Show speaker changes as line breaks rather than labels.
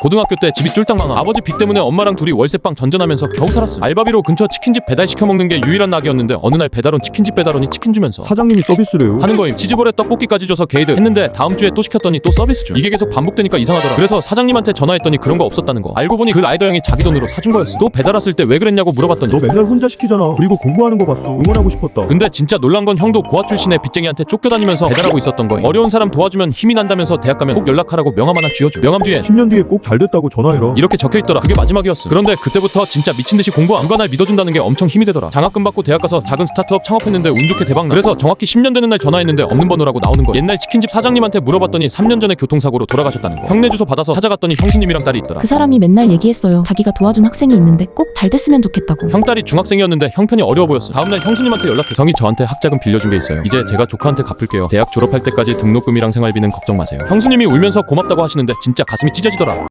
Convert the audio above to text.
고등학교 때 집이 쫄딱 망하. 아버지 빚 때문에 엄마랑 둘이 월세방 전전하면서 겨우 살았어요. 알바비로 근처 치킨집 배달 시켜 먹는 게 유일한 낙이었는데 어느 날 배달온 치킨집 배달원이 치킨 주면서
사장님이 서비스래요.
하는 거임. 치즈볼에 떡볶이까지 줘서 게이드 했는데 다음 주에 또 시켰더니 또 서비스 중. 이게 계속 반복되니까 이상하더라. 그래서 사장님한테 전화했더니 그런 거 없었다는 거. 알고 보니 그 라이더 형이 자기 돈으로 사준 거였어. 또 배달 왔을 때 왜 그랬냐고 물어봤더니
너 맨날 혼자 시키잖아. 그리고 공부하는 거 봤어. 응원하고 싶었다.
근데 진짜 놀란 건 형도 고아 출신의 빚쟁이한테 쫓겨다니면서 배달하고 있었던 거임. 어려운 사람 도와주면 힘이 난다면서 대학 가면 꼭 연락하라고 명함 하나 쥐어줘. 명함 뒤엔
10년 뒤에 꼭 잘 됐다고 전화해라.
이렇게 적혀있더라. 그게 마지막이었어. 그런데 그때부터 진짜 미친듯이 공부하고 누가 날 믿어준다는 게 엄청 힘이 되더라. 장학금 받고 대학 가서 작은 스타트업 창업했는데 운 좋게 대박나. 그래서 정확히 10년 되는 날 전화했는데 없는 번호라고 나오는 거야. 옛날 치킨집 사장님한테 물어봤더니 3년 전에 교통사고로 돌아가셨다는 거야. 형네 주소 받아서 찾아갔더니 형수님이랑 딸이 있더라.
그 사람이 맨날 얘기했어요. 자기가 도와준 학생이 있는데 꼭 잘 됐으면 좋겠다고.
형딸이 중학생이었는데 형편이 어려워 보였어. 다음날 형수님한테 연락해. 형이 저한테 학자금 빌려준 게 있어요. 이제 제가 조카한테 갚을게요. 대학 졸업할 때까지 등록금이랑 생활비는 걱정 마세요. 형수님이 울면서 고맙다고 하시는데 진짜 가슴이 찢어지더라.